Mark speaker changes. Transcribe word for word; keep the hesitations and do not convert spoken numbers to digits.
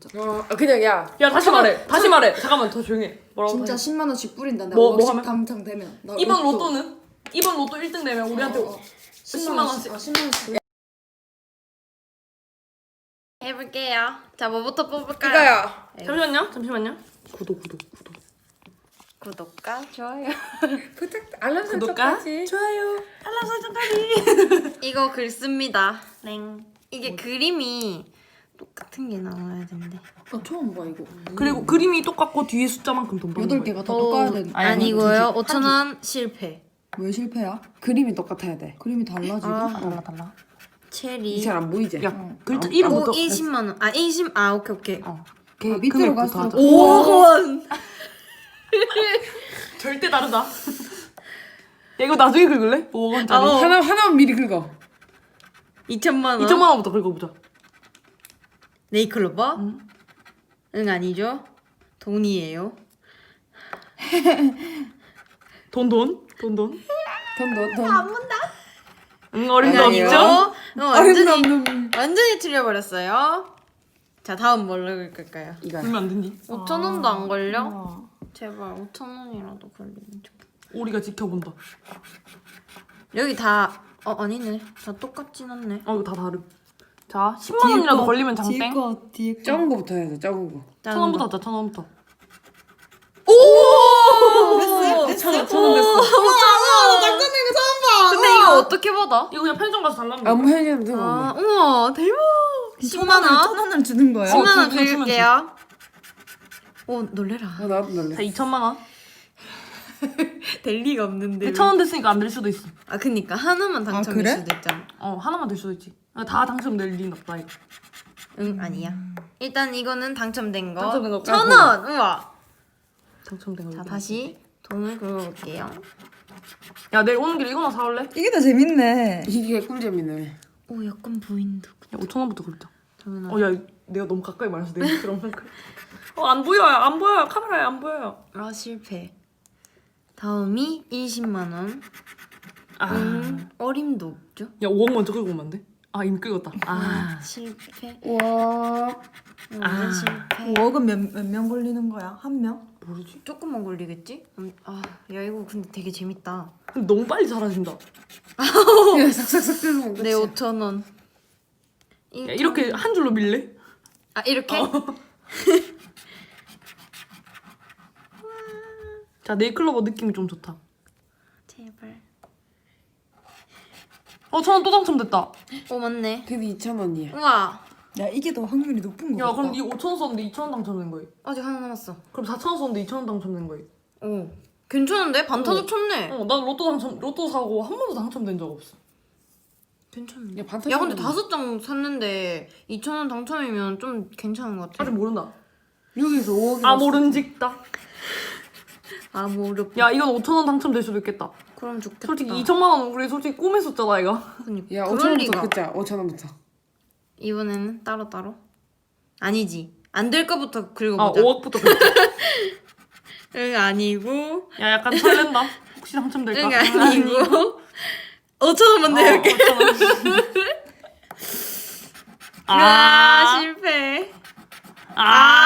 Speaker 1: 진짜.
Speaker 2: 어 그냥 야.
Speaker 3: 야 다시 말해. 다시 말해. 잠깐만 더 조용히 해. 뭐라고?
Speaker 1: 진짜
Speaker 3: 다시.
Speaker 1: 십만 원씩 뿌린다. 내가
Speaker 3: 뭐, 뭐
Speaker 1: 월식
Speaker 3: 하면?
Speaker 1: 당첨되면. 나
Speaker 3: 이번 로또는? 이번 로또 일 등 되면 우리한테
Speaker 1: 어, 어.
Speaker 3: 십만 원씩.
Speaker 1: 아, 십만 원씩.
Speaker 4: 해볼게요. 자, 뭐부터 뽑을까요?
Speaker 2: 이거요.
Speaker 3: 잠시만요. 잠시만요. 구독 구독 구독.
Speaker 4: 구독과 좋아요.
Speaker 2: 부탁 알람
Speaker 3: 구독과
Speaker 2: 설정까지.
Speaker 3: 좋아요. 알람 설정까지.
Speaker 4: 이거 글 씁니다. 땡. 이게 뭐... 그림이 똑같은 게 나와야 된대.
Speaker 1: 나 처음 봐 이거.
Speaker 3: 그리고 그림이 똑같고 뒤에 숫자만큼 돈 받는
Speaker 1: 여덟
Speaker 3: 거예요.
Speaker 1: 개가 다 똑같아야 돼.
Speaker 4: 아니고요. 오천 원 실패.
Speaker 1: 왜 실패야?
Speaker 2: 그림이 똑같아야 돼.
Speaker 1: 그림이 달라지고.
Speaker 4: 아,
Speaker 3: 달라 달라.
Speaker 4: 체리.
Speaker 2: 잘 안 보이지?
Speaker 3: 야
Speaker 1: 어.
Speaker 3: 글자
Speaker 2: 어,
Speaker 3: 이름부터.
Speaker 4: 오 이십만 원. 아 이십. 아 오케이 오케이.
Speaker 3: 어.
Speaker 1: 아, 밑으로 갈수록
Speaker 4: 오억 원.
Speaker 3: 절대 다르다. 야 이거 나중에 긁을래? 오억 원짜리.
Speaker 4: 아, 어.
Speaker 2: 하나 하나만 미리 긁어.
Speaker 4: 이천만 원.
Speaker 3: 이천만 원부터 긁어보자.
Speaker 4: 네이클로버?
Speaker 3: 응.
Speaker 4: 응 아니죠. 돈이에요.
Speaker 3: 돈 돈? 돈 돈?
Speaker 2: 돈 돈 돈.
Speaker 3: 응 어림도
Speaker 4: 응,
Speaker 3: 없죠?
Speaker 4: 아니고. 어, 완전히
Speaker 1: 어림없는.
Speaker 4: 완전히 틀려버렸어요. 자 다음 뭘로 긁을까요?
Speaker 2: 이거.
Speaker 3: 그러면 안 되니?
Speaker 4: 오천 원도 안 걸려?
Speaker 1: 아.
Speaker 4: 제발 오천 원이라도 걸리면 좋겠다.
Speaker 3: 우리가 지켜본다.
Speaker 4: 여기 다 어 아니네. 다 똑같진 않네.
Speaker 3: 어 이거 다 다름. 자 십만 원이라도 걸리면
Speaker 1: 뒤에
Speaker 3: 장땡.
Speaker 1: 거 뒤에 거.
Speaker 2: 작은 거부터 해야 돼. 작은 거.
Speaker 3: 천 원부터 하자. 천 원부터.
Speaker 4: 오!
Speaker 3: 천 원, 천 원 됐어.
Speaker 4: 우와! 당첨된 거 처음 봐. 근데 이거 어떻게 받아?
Speaker 3: 이거 그냥 편의점 가서 달라면 돼.
Speaker 2: 아무 편의점 들어.
Speaker 4: 아, 우와, 대박. 십만 원?
Speaker 1: 천 원을 주는 거야?
Speaker 4: 십만 원
Speaker 3: 주- 주면
Speaker 4: 드릴게요. 오, 놀래라.
Speaker 2: 어 나도 놀래.
Speaker 3: 자 이천만 원.
Speaker 4: 될 리가 없는데.
Speaker 3: 천 원 됐으니까 안 될 수도 있어.
Speaker 4: 아, 그니까 하나만 당첨일
Speaker 1: 그래?
Speaker 4: 수도 있잖아.
Speaker 3: 어 하나만 될 수도 있지. 아, 다 당첨될 리는 없다 이거.
Speaker 4: 응, 아니야. 일단 이거는 당첨된 거.
Speaker 3: 당첨된 거
Speaker 4: 천 원. 우와.
Speaker 3: 당첨된 거.
Speaker 4: 자, 다시 돈을 긁어볼게요.
Speaker 3: 야 내일 오는 길에 이거나 사올래? 야
Speaker 1: 이게 더 재밌네.
Speaker 2: 이게 꿀잼이네.
Speaker 4: 오, 약간 보인다.
Speaker 3: 오천 원부터 긁자.
Speaker 4: 저는
Speaker 3: 어야 내가 너무 가까이 말해서 내가 그런 걸. 어안 보여요 안 보여요 카메라에 안 보여요.
Speaker 4: 아, 실패. 다음이 이십만 원.
Speaker 3: 아.
Speaker 4: 음, 어림도 없죠?
Speaker 3: 야 오억 먼저 긁으면 안 돼? 아 이미 긁었다. 아.
Speaker 4: 실패.
Speaker 1: 와.
Speaker 4: 음,
Speaker 3: 아.
Speaker 4: 실패.
Speaker 1: 오억은 몇몇 명 걸리는 거야? 한 명?
Speaker 3: 모르지?
Speaker 4: 조금만 걸리겠지? 음, 아, 야 이거 근데 되게 재밌다.
Speaker 3: 근데 너무 빨리 사라진다.
Speaker 2: 야 삭삭삭 긁으면
Speaker 4: 내 오천 원.
Speaker 3: 야, 이렇게 한 줄로 밀래?
Speaker 4: 아 이렇게?
Speaker 3: 자 네이클로버 느낌이 좀 좋다.
Speaker 4: 제발.
Speaker 3: 어 천 원 또 당첨됐다.
Speaker 4: 오 맞네.
Speaker 2: 근데 이천 원이야.
Speaker 4: 우와.
Speaker 1: 야 이게 더 확률이 높은 거
Speaker 3: 야
Speaker 1: 같다.
Speaker 3: 그럼 이 오천 원 썼는데 이천 원 당첨된 거예요.
Speaker 4: 아직 하나 남았어.
Speaker 3: 그럼 사천 원 썼는데 이천 원 당첨된 거예요.
Speaker 4: 오. 괜찮은데? 반타작
Speaker 3: 어.
Speaker 4: 쳤네.
Speaker 3: 어, 난 로또 당첨 로또 사고 한 번도 당첨된 적 없어.
Speaker 4: 괜찮네.
Speaker 2: 야 반타작.
Speaker 4: 야 근데 다섯 장 샀는데 이천 원 당첨이면 좀 괜찮은 것 같아.
Speaker 3: 아직 모른다.
Speaker 2: 여기서 오억이.
Speaker 3: 아 모른직다.
Speaker 4: 아 모르.
Speaker 3: 야 이건 오천 원 당첨될 수도 있겠다.
Speaker 4: 그럼 좋겠다.
Speaker 3: 솔직히 이천만 원 우리 솔직히 꿈에 썼잖아 이거.
Speaker 4: 그러니까.
Speaker 2: 야
Speaker 4: 그럴
Speaker 2: 오천
Speaker 4: 리가.
Speaker 2: 원부터 긁자. 오천 원부터.
Speaker 4: 이번에는 따로 따로. 아니지. 안 될 거부터
Speaker 3: 아
Speaker 4: 긁어보자.
Speaker 3: 오억부터 긁자.
Speaker 4: 응 아니고.
Speaker 3: 야 약간 설렌다. 혹시 당첨될까?
Speaker 4: 응 아니고. 오천 원만 내볼게.
Speaker 3: 어, 오천 원.
Speaker 4: 아,
Speaker 3: 아,
Speaker 4: 실패.
Speaker 3: 아,